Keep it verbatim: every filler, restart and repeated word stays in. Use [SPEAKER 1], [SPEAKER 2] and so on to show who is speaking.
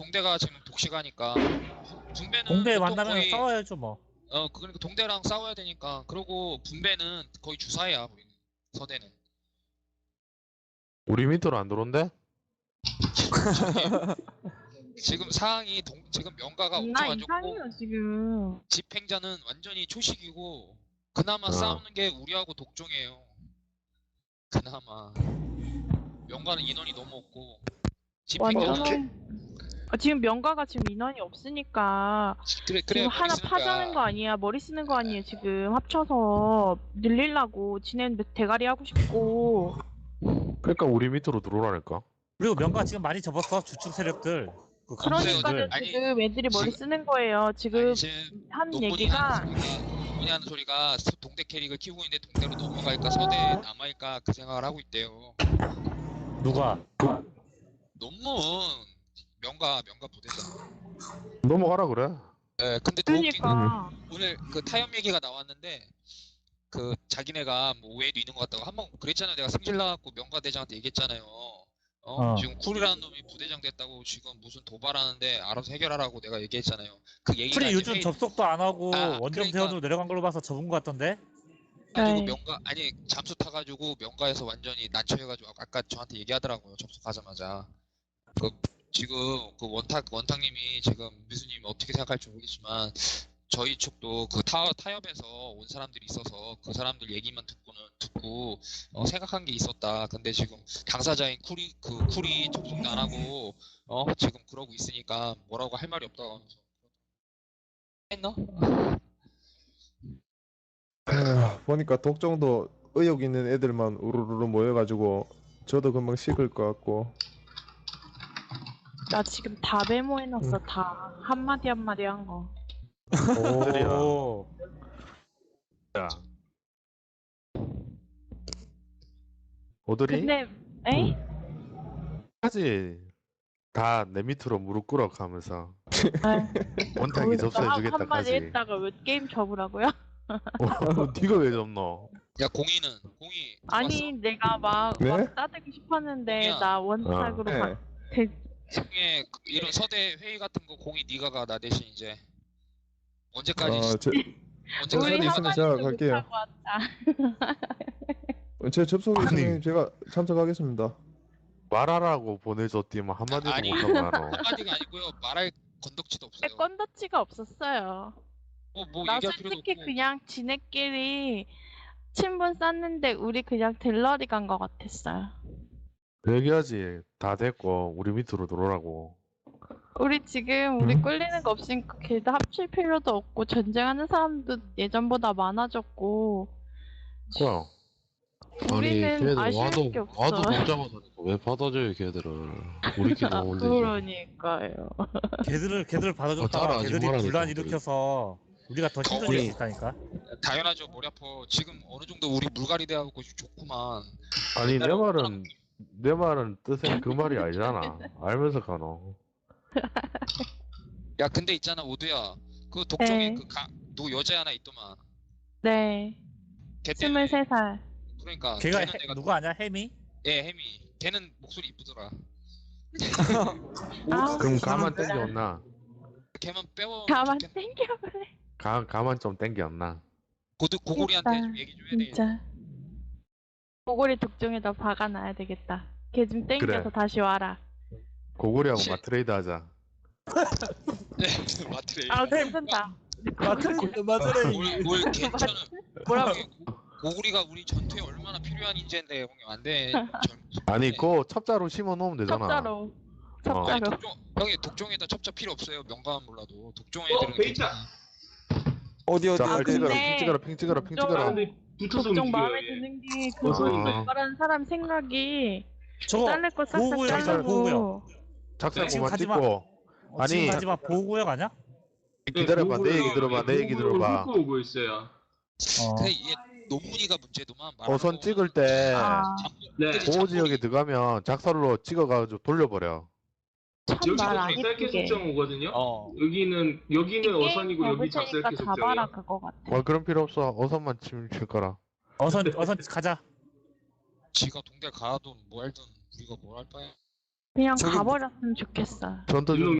[SPEAKER 1] 동대가 지금 독식하니까 분배는
[SPEAKER 2] 동대
[SPEAKER 1] 보통
[SPEAKER 2] 만나면
[SPEAKER 1] 거의
[SPEAKER 2] 싸워야죠 뭐.
[SPEAKER 1] 어 그러니까 동대랑 싸워야 되니까. 그리고 분배는 거의 주사야 우리는. 서대는
[SPEAKER 3] 우리 밑으로 안 들어온대?
[SPEAKER 1] 지금 상황이 동, 지금 명가가
[SPEAKER 4] 나
[SPEAKER 1] 엄청 안 좋고
[SPEAKER 4] 이상해요 지금.
[SPEAKER 1] 집행자는 완전히 초식이고 그나마
[SPEAKER 3] 어.
[SPEAKER 1] 싸우는 게 우리하고 독종이에요. 그나마 명가는 인원이 너무 없고 집행자는
[SPEAKER 4] 완전. 아, 지금 명가가 지금 인원이 없으니까
[SPEAKER 1] 그래 그래
[SPEAKER 4] 지금 하나 파자는 거 아니야. 머리 쓰는 거 아니에요. 지금 합쳐서 늘리려고 지네는 대가리 하고 싶고.
[SPEAKER 3] 그러니까 우리 밑으로 들어오라니까.
[SPEAKER 2] 그리고 명가 지금 많이 접었어 주축 세력들. 그
[SPEAKER 4] 그러니까는
[SPEAKER 2] 강대들.
[SPEAKER 1] 아니,
[SPEAKER 4] 지금 애들이 머리
[SPEAKER 1] 지금-
[SPEAKER 4] 쓰는 거예요. 지금
[SPEAKER 1] 아니, 지금
[SPEAKER 4] 한
[SPEAKER 1] 논문이
[SPEAKER 4] 얘기가
[SPEAKER 1] 하는 소리가 논문이 하는 소리가 서- 동대 캐릭을 키우고 있는데 동대로 넘어갈까 서대에 남아있까 그 생각을 하고 있대요.
[SPEAKER 2] 누가?
[SPEAKER 1] 논문 명가 명가 부대장.
[SPEAKER 3] 넘어가라 그래.
[SPEAKER 1] 예, 근데 더 웃긴 건
[SPEAKER 4] 그러니까
[SPEAKER 1] 오늘 그 타협 얘기가 나왔는데 그 자기네가 뭐 오해도 있는 것 같다고 한번 그랬잖아요. 내가 승질 나갖고 명가 대장한테 얘기했잖아요. 어?
[SPEAKER 2] 어.
[SPEAKER 1] 지금 쿨이라는 놈이 부대장 됐다고 지금 무슨 도발하는데 알아서 해결하라고 내가 얘기했잖아요. 그 얘기가
[SPEAKER 2] 풀이
[SPEAKER 1] 이제
[SPEAKER 2] 요즘
[SPEAKER 1] 회의-
[SPEAKER 2] 접속도 안 하고
[SPEAKER 1] 아,
[SPEAKER 2] 원정
[SPEAKER 1] 그러니까-
[SPEAKER 2] 대원으로 내려간 걸로 봐서 접은 것 같던데?
[SPEAKER 1] 가지고
[SPEAKER 4] 네.
[SPEAKER 1] 명가 아니 잠수 타가지고 명가에서 완전히 난처해가지고 아까 저한테 얘기하더라고요. 접속하자마자 그 지금 그 원탁 원탁님이 지금 미수님 어떻게 생각할지 모르겠지만 저희 측도 그 타, 타협에서 온 사람들이 있어서 그 사람들 얘기만 듣고는 듣고 어, 생각한 게 있었다. 근데 지금 당사자인 쿨이 그 쿨이 접속도 안 하고 어 지금 그러고 있으니까 뭐라고 할 말이 없다고 하면서 했나?
[SPEAKER 5] 에휴, 보니까 독종도 의욕 있는 애들만 우르르르 모여가지고 저도 금방 식을 것 같고.
[SPEAKER 4] 나 지금 다 메모해놨어. 다 한마디 한마디 한 거.
[SPEAKER 3] 오. 야. 오더리?
[SPEAKER 4] 근데 에이?
[SPEAKER 3] 까지 다 내 밑으로 무릎 꿇어 가면서
[SPEAKER 4] 아,
[SPEAKER 3] 원탁이
[SPEAKER 4] 거기서 한- 한마디
[SPEAKER 3] 접수해주겠다까지.
[SPEAKER 4] 했다가 왜 게임 접으라고요?
[SPEAKER 3] 어, 네가 왜 접노?
[SPEAKER 1] 야 공이는 공이
[SPEAKER 4] 아니 내가 막,
[SPEAKER 5] 네?
[SPEAKER 4] 막 따대고 싶었는데
[SPEAKER 1] 야.
[SPEAKER 4] 나 원탁으로
[SPEAKER 5] 네.
[SPEAKER 4] 바... 대...
[SPEAKER 1] 중에 그 이런 서대 회의 같은 거 공이 네가 가 나 대신 이제 언제까지
[SPEAKER 5] 어, 제,
[SPEAKER 1] 언제까지
[SPEAKER 5] 우리 있으면 제가
[SPEAKER 4] 한마디도
[SPEAKER 5] 갈게요.
[SPEAKER 4] 못하고 왔다.
[SPEAKER 5] 제 접속이
[SPEAKER 3] 아니.
[SPEAKER 5] 있으면 제가 참석하겠습니다.
[SPEAKER 3] 말하라고 보내줬디만 한마디도
[SPEAKER 1] 아니.
[SPEAKER 3] 못하고 하노.
[SPEAKER 1] 한마디가 아니고요 말할 건덕지도 없어요.
[SPEAKER 4] 건더치가 없었어요.
[SPEAKER 1] 뭐, 뭐
[SPEAKER 4] 나
[SPEAKER 1] 얘기할 필요도
[SPEAKER 4] 솔직히
[SPEAKER 1] 없고
[SPEAKER 4] 그냥 지네끼리 친분 쌓는데 우리 그냥 델러리 간 거 같았어요.
[SPEAKER 3] 얘기하지. 다 됐고 우리 밑으로 들어오라고.
[SPEAKER 4] 우리 지금 우리
[SPEAKER 5] 음?
[SPEAKER 4] 꿀리는 거 없으니까 걔도 합칠 필요도 없고 전쟁하는 사람도 예전보다 많아졌고
[SPEAKER 3] 그럼
[SPEAKER 4] 우리는 아쉬울 게 없어.
[SPEAKER 6] 와도 못 잡아다니까 왜 받아줘요 걔들을. 우리끼리
[SPEAKER 4] 아,
[SPEAKER 6] 오면 되지.
[SPEAKER 4] 그러니까요.
[SPEAKER 2] 걔들을 걔들을
[SPEAKER 6] 어,
[SPEAKER 2] 받아줬다가
[SPEAKER 6] 따라하지
[SPEAKER 2] 걔들이
[SPEAKER 6] 말라니까,
[SPEAKER 2] 분란
[SPEAKER 6] 우리.
[SPEAKER 2] 일으켜서 우리가 더 힘들어질
[SPEAKER 1] 우리-
[SPEAKER 2] 수 있다니까.
[SPEAKER 1] 당연하죠. 머리 아파. 지금 어느 정도 우리 물갈이 돼갖고 좋구만.
[SPEAKER 3] 아니 내 말은 내 말은 뜻은 그 말이 아니잖아. 알면서 가노.
[SPEAKER 1] 야 근데 있잖아 오두야. 그 독종에
[SPEAKER 4] 네.
[SPEAKER 1] 그 가, 누 여자 하나 있더만.
[SPEAKER 4] 네.
[SPEAKER 1] 걔 때문에
[SPEAKER 4] 스물세 살.
[SPEAKER 1] 그러니까
[SPEAKER 2] 걔가
[SPEAKER 1] 걔는
[SPEAKER 2] 해-
[SPEAKER 1] 내가
[SPEAKER 2] 누구 아냐 혜미?
[SPEAKER 1] 예 혜미. 걔는 목소리 이쁘더라.
[SPEAKER 4] 아우,
[SPEAKER 3] 그럼
[SPEAKER 4] 진짜.
[SPEAKER 3] 가만 땡겼나?
[SPEAKER 1] 걔만 빼워.
[SPEAKER 4] 가만
[SPEAKER 1] 좋겠-
[SPEAKER 4] 땡겨버려.
[SPEAKER 3] 가 가만 좀 땡겼나?
[SPEAKER 1] 고드 고고리한테
[SPEAKER 4] 됐다.
[SPEAKER 1] 좀 얘기 좀 해야 되겠다.
[SPEAKER 4] 진짜. 보고리 독종에다 박아놔야 되겠다. 걔 좀 땡겨서
[SPEAKER 3] 그래.
[SPEAKER 4] 다시 와라.
[SPEAKER 3] 고구려하고
[SPEAKER 1] 시-
[SPEAKER 3] 마트레이드 하자.
[SPEAKER 1] 마트레.
[SPEAKER 4] 아 괜찮다.
[SPEAKER 2] 마트레이드 마트레이드.
[SPEAKER 1] 뭘, 뭘 괜찮아.
[SPEAKER 4] 뭐라고?
[SPEAKER 1] 고구리가 우리 전투에 얼마나 필요한 인재인데 형님 안 돼.
[SPEAKER 3] 아니 그거 첩자로 심어 놓으면 되잖아.
[SPEAKER 4] 첩자로.
[SPEAKER 3] 어.
[SPEAKER 1] 아니,
[SPEAKER 4] 첩자로.
[SPEAKER 1] 독종, 형이 독종에다 첩자 필요 없어요. 명가만 몰라도 독종
[SPEAKER 7] 어,
[SPEAKER 1] 애들은
[SPEAKER 7] 베이차.
[SPEAKER 1] 괜찮아.
[SPEAKER 7] 어디 어디
[SPEAKER 3] 자,
[SPEAKER 4] 아,
[SPEAKER 3] 빨리
[SPEAKER 4] 근데
[SPEAKER 3] 찍어라, 핑 찍어라, 핑 찍어라, 핑 찍어라.
[SPEAKER 4] 독종-
[SPEAKER 7] 붙어서
[SPEAKER 4] 독종
[SPEAKER 7] 움직여요.
[SPEAKER 4] 마음에
[SPEAKER 7] 얘.
[SPEAKER 4] 드는 게그
[SPEAKER 7] 어서
[SPEAKER 3] 있어요.
[SPEAKER 4] 말하는 사람 생각이
[SPEAKER 2] 저거
[SPEAKER 4] 자를 거 싹싹
[SPEAKER 2] 보호구역 아니야,
[SPEAKER 4] 자르고.
[SPEAKER 2] 보호구역.
[SPEAKER 3] 작살
[SPEAKER 2] 지금
[SPEAKER 3] 그만
[SPEAKER 2] 가지 마.
[SPEAKER 3] 찍고.
[SPEAKER 2] 어, 지금
[SPEAKER 3] 아니.
[SPEAKER 2] 마지막 보호구역 아니야?
[SPEAKER 3] 기다려봐, 내 얘기 들어봐, 내 얘기 들어봐.
[SPEAKER 7] 훑고 오고 있어요.
[SPEAKER 2] 어.
[SPEAKER 1] 근데 이게 논문이가 문제도만 말하는
[SPEAKER 3] 어선
[SPEAKER 1] 거.
[SPEAKER 3] 찍을 때
[SPEAKER 4] 아,
[SPEAKER 7] 네.
[SPEAKER 3] 보호 지역에 들어가면 작살로 찍어가지고 돌려버려.
[SPEAKER 4] 참 말 안
[SPEAKER 7] 여기는 작살캐
[SPEAKER 4] 예쁘게.
[SPEAKER 7] 속정 오거든요.
[SPEAKER 2] 어.
[SPEAKER 7] 여기는 여기는 어선이고 여기
[SPEAKER 4] 잡을 테니까
[SPEAKER 7] 작살캐
[SPEAKER 4] 잡아라
[SPEAKER 7] 속정이에요.
[SPEAKER 4] 그거 같아.
[SPEAKER 3] 어, 그런 필요 없어. 어선만 치면 칠 거라.
[SPEAKER 2] 어선 어선 가자.
[SPEAKER 1] 지가 동대 가든 뭐 할든 우리가 뭘 할 바에.
[SPEAKER 4] 그냥
[SPEAKER 2] 저기-
[SPEAKER 4] 가버렸으면 좋겠어.
[SPEAKER 3] 전투 중